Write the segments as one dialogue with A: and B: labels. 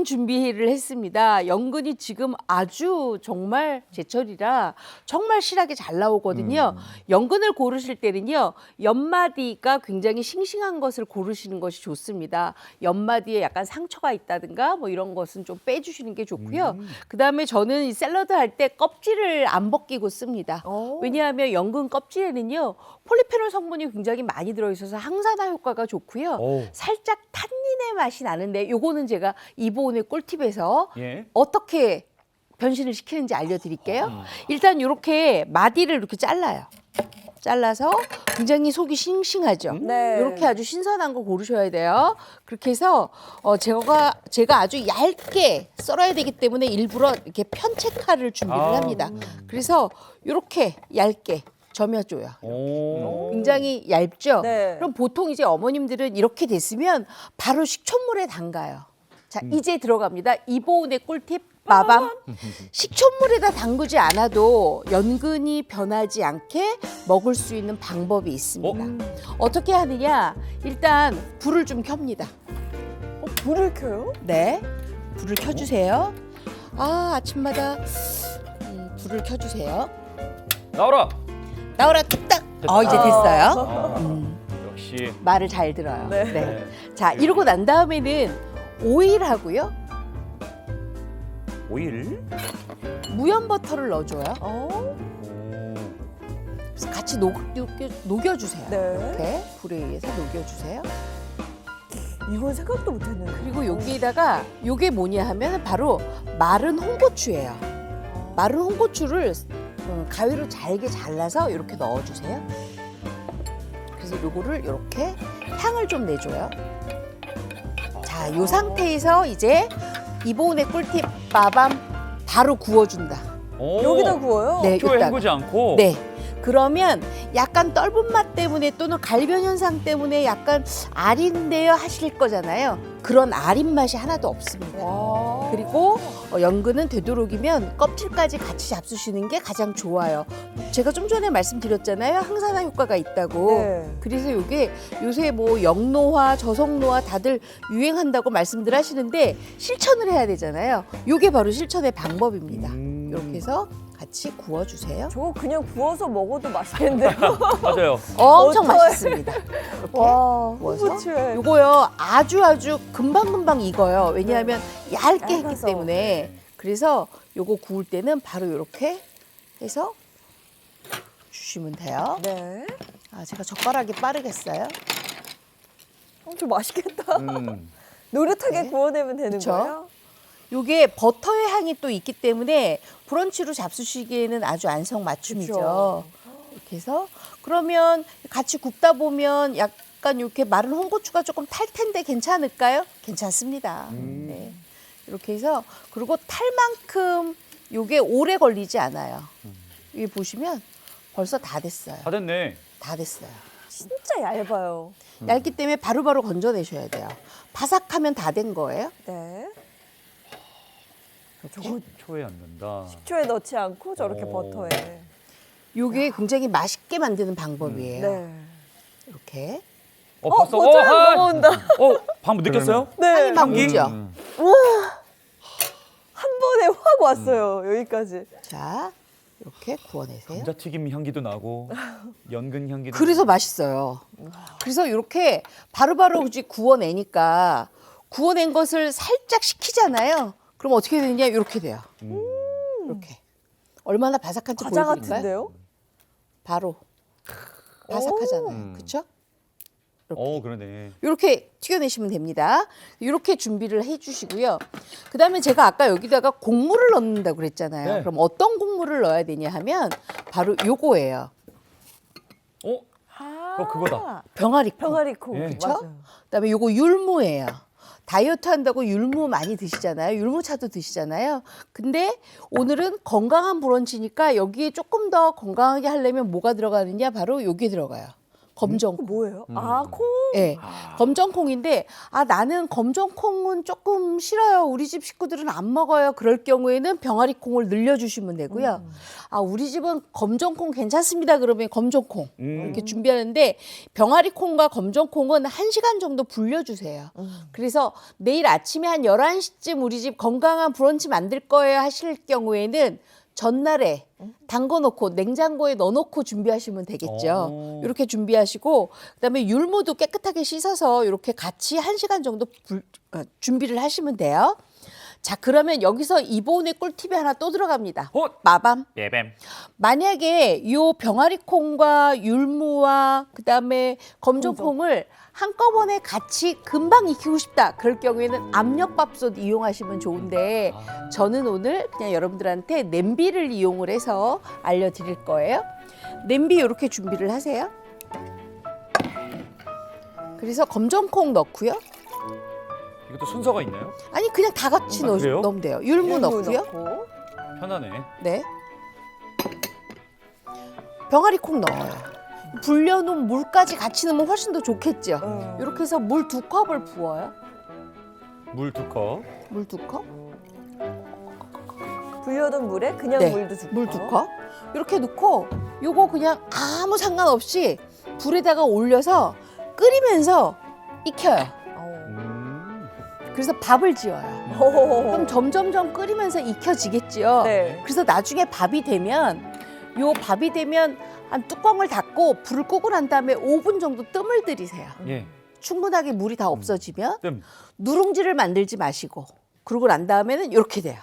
A: 준비를 했습니다. 연근이 지금 아주 정말 제철이라 정말 실하게 잘 나오거든요. 연근을 고르실 때는요. 옆마디가 굉장히 싱싱한 것을 고르시는 것이 좋습니다. 옆마디에 약간 상처가 있다든가 뭐 이런 것은 좀 빼주시는 게 좋고요. 그다음에 저는 이 샐러드 할 때 껍질을 안 벗기고 씁니다. 왜냐하면 연근 껍질에는요. 폴리페놀 성분이 굉장히 많이 들어있어서 항산화 효과가 좋고요. 살짝 탄닌의 맛이 나는데 요거는 제가 이보은의 꿀팁에서
B: 예.
A: 어떻게 변신을 시키는지 알려드릴게요. 일단 이렇게 마디를 이렇게 잘라요. 잘라서 굉장히 속이 싱싱하죠.
C: 네.
A: 이렇게 아주 신선한 거 고르셔야 돼요. 그렇게 해서 제가 아주 얇게 썰어야 되기 때문에 일부러 이렇게 편채칼을 준비를 합니다. 그래서 이렇게 얇게 점여줘요. 굉장히 얇죠?
C: 네.
A: 그럼 보통 이제 어머님들은 이렇게 됐으면 바로 식초물에 담가요. 자, 이제 들어갑니다. 이보은의 꿀팁. 마밤. 식초물에다 담그지 않아도 연근이 변하지 않게 먹을 수 있는 방법이 있습니다. 어떻게 하느냐? 일단 불을 좀 켭니다.
C: 불을 켜요?
A: 네, 불을 켜주세요. 아침마다 불을 켜주세요.
B: 나와라.
A: 나오라 뚝딱. 이제 됐어요.
B: 역시.
A: 말을 잘 들어요.
C: 네.
A: 네. 자, 이러고 난 다음에는 오일하고요.
B: 오일.
A: 무염 버터를 넣어줘요.
C: 어?
A: 그래서 같이 녹여주세요.
C: 네.
A: 이렇게 불에 의해서 녹여주세요.
C: 이건 생각도 못했네.
A: 그리고 여기에다가 요게 뭐냐 하면 바로 마른 홍고추예요. 마른 홍고추를 가위로 잘게 잘라서 이렇게 넣어주세요. 그래서 요거를 이렇게 향을 좀 내줘요. 자, 요 상태에서 이제 이보은의 꿀팁 마밤 바로 구워준다.
C: 여기다 구워요?
A: 네,
B: 초에
A: 여기다가.
B: 헹구지 않고.
A: 네. 그러면 약간 떫은 맛 때문에 또는 갈변 현상 때문에 약간 아린데요 하실 거잖아요. 그런 아린 맛이 하나도 없습니다.
C: 와.
A: 그리고 연근은 되도록이면 껍질까지 같이 잡수시는 게 가장 좋아요. 제가 좀 전에 말씀드렸잖아요. 항산화 효과가 있다고.
C: 네.
A: 그래서 이게 요새 뭐 역노화, 저속노화 다들 유행한다고 말씀들 하시는데 실천을 해야 되잖아요. 이게 바로 실천의 방법입니다. 이렇게 해서 같이 구워주세요.
C: 저거 그냥 구워서 먹어도 맛있겠는데요?
B: 맞아요.
A: 엄청
C: 어떡해.
A: 맛있습니다. 이렇게
C: 와,
A: 구워서
C: 홍고추에.
A: 요거요 아주 금방금방 익어요. 왜냐하면 얇게 했기
C: 얇아서.
A: 때문에. 그래서 요거 구울 때는 바로 이렇게 해서 주시면 돼요.
C: 네.
A: 제가 젓가락이 빠르겠어요.
C: 좀 맛있겠다. 노릇하게
A: 네.
C: 구워내면 되는
A: 그쵸?
C: 거예요?
A: 요게 버터의 향이 또 있기 때문에 브런치로 잡수시기에는 아주 안성맞춤이죠.
C: 그쵸.
A: 이렇게 해서 그러면 같이 굽다 보면 약간 이렇게 마른 홍고추가 조금 탈 텐데 괜찮을까요? 괜찮습니다. 네. 이렇게 해서 그리고 탈만큼 요게 오래 걸리지 않아요. 여기 보시면 벌써 다 됐어요.
B: 다 됐네.
A: 다 됐어요.
C: 진짜 얇아요.
A: 얇기 때문에 바로바로 건져내셔야 돼요. 바삭하면 다 된 거예요.
C: 네.
B: 초에 앉는다.
C: 식초에 넣지 않고 저렇게
B: 오.
C: 버터에.
A: 요게 굉장히 맛있게 만드는 방법이에요.
C: 네.
A: 이렇게.
B: 벌써
C: 버터향 넘어온다.
B: 방금 느꼈어요?
C: 네.
A: 향이 막
B: 향기?
A: 오죠.
C: 한 번에 확 왔어요. 여기까지.
A: 자, 이렇게 구워내세요.
B: 감자튀김 향기도 나고 연근 향기도.
A: 그래서 맛있어요. 그래서 이렇게 바로바로 이제 구워내니까 구워낸 것을 살짝 식히잖아요. 그럼 어떻게 되느냐? 이렇게 돼요. 이렇게. 얼마나 바삭한지
C: 과자
A: 보여드릴까요?
C: 같은데요?
A: 바로. 바삭하잖아요. 그렇죠?
B: 그러네.
A: 이렇게 튀겨내시면 됩니다. 이렇게 준비를 해주시고요. 그다음에 제가 아까 여기다가 곡물을 넣는다고 그랬잖아요.
B: 네.
A: 그럼 어떤 곡물을 넣어야 되냐 하면 바로 요거예요.
B: 그거다.
A: 병아리콩.
C: 병아리콩.
B: 예.
A: 그쵸?
C: 맞아요.
A: 그다음에 요거 율무예요. 다이어트 한다고 율무 많이 드시잖아요. 율무차도 드시잖아요. 근데 오늘은 건강한 브런치니까 여기에 조금 더 건강하게 하려면 뭐가 들어가느냐? 바로 요게 들어가요. 검정콩.
C: 뭐예요? 아, 콩.
A: 네, 검정콩인데 나는 검정콩은 조금 싫어요. 우리 집 식구들은 안 먹어요. 그럴 경우에는 병아리콩을 늘려주시면 되고요. 우리 집은 검정콩 괜찮습니다. 그러면 검정콩 이렇게 준비하는데 병아리콩과 검정콩은 1시간 정도 불려주세요. 그래서 내일 아침에 한 11시쯤 우리 집 건강한 브런치 만들 거예요 하실 경우에는 전날에 담궈놓고 냉장고에 넣어놓고 준비하시면 되겠죠.
B: 오.
A: 이렇게 준비하시고 그다음에 율무도 깨끗하게 씻어서 이렇게 같이 1시간 정도 준비를 하시면 돼요. 자, 그러면 여기서 이보은의 꿀팁이 하나 또 들어갑니다.
B: 헛!
A: 마밤.
B: 예뱀.
A: 만약에 요 병아리콩과 율무와 그다음에 검정콩을 한꺼번에 같이 금방 익히고 싶다. 그럴 경우에는 압력밥솥 이용하시면 좋은데 저는 오늘 그냥 여러분들한테 냄비를 이용을 해서 알려드릴 거예요. 냄비 이렇게 준비를 하세요. 그래서 검정콩 넣고요.
B: 이것도 순서가 있나요?
A: 아니 그냥 다 같이
B: 그래요?
A: 넣으면 돼요. 율무 넣고요.
C: 넣고.
B: 편하네.
A: 네. 병아리콩 넣어요. 불려놓은 물까지 같이 넣으면 훨씬 더 좋겠죠. 이렇게 해서 물 2컵을 부어요.
B: 물 2컵.
A: 물 2컵?
C: 불려둔 물에 그냥
A: 네,
C: 물도 2컵.
A: 물 2컵. 이렇게 넣고 요거 그냥 아무 상관없이 불에다가 올려서 끓이면서 익혀요. 그래서 밥을 지어요. 그럼 점점점 끓이면서 익혀지겠죠.
C: 네.
A: 그래서 나중에 밥이 되면 한 뚜껑을 닫고 불을 끄고 난 다음에 5분 정도 뜸을 들이세요.
B: 예.
A: 충분하게 물이 다 없어지면
B: 뜸.
A: 누룽지를 만들지 마시고 그러고 난 다음에는 이렇게 돼요.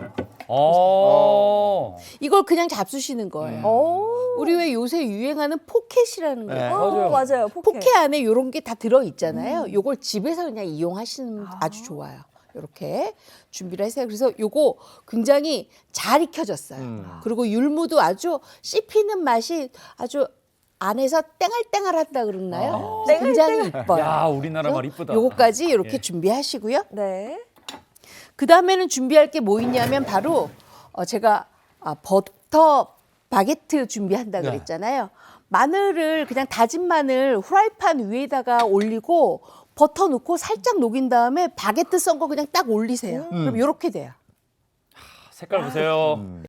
A: 이걸 그냥 잡수시는 거예요. 우리 왜 요새 유행하는 포켓이라는 거예요.
B: 네.
C: 맞아요. 맞아요.
A: 포켓 안에 이런 게 다 들어 있잖아요. 요걸 집에서 그냥 이용하시는 아주 좋아요. 이렇게 준비를 하세요. 그래서 요거 굉장히 잘 익혀졌어요. 그리고 율무도 아주 씹히는 맛이 아주 안에서 땡알땡알한다 그러나요? 그래서 굉장히 이뻐요.
B: 야, 우리나라 말 이쁘다.
A: 요거까지 이렇게
B: 예.
A: 준비하시고요.
C: 네.
A: 그 다음에는 준비할 게 뭐 있냐면 바로 제가 버터 바게트 준비한다
B: 네.
A: 그랬잖아요. 마늘을 그냥 다진 마늘 후라이팬 위에다가 올리고 버터 넣고 살짝 녹인 다음에 바게트 썬 거 그냥 딱 올리세요. 그럼 이렇게 돼요.
B: 색깔 보세요.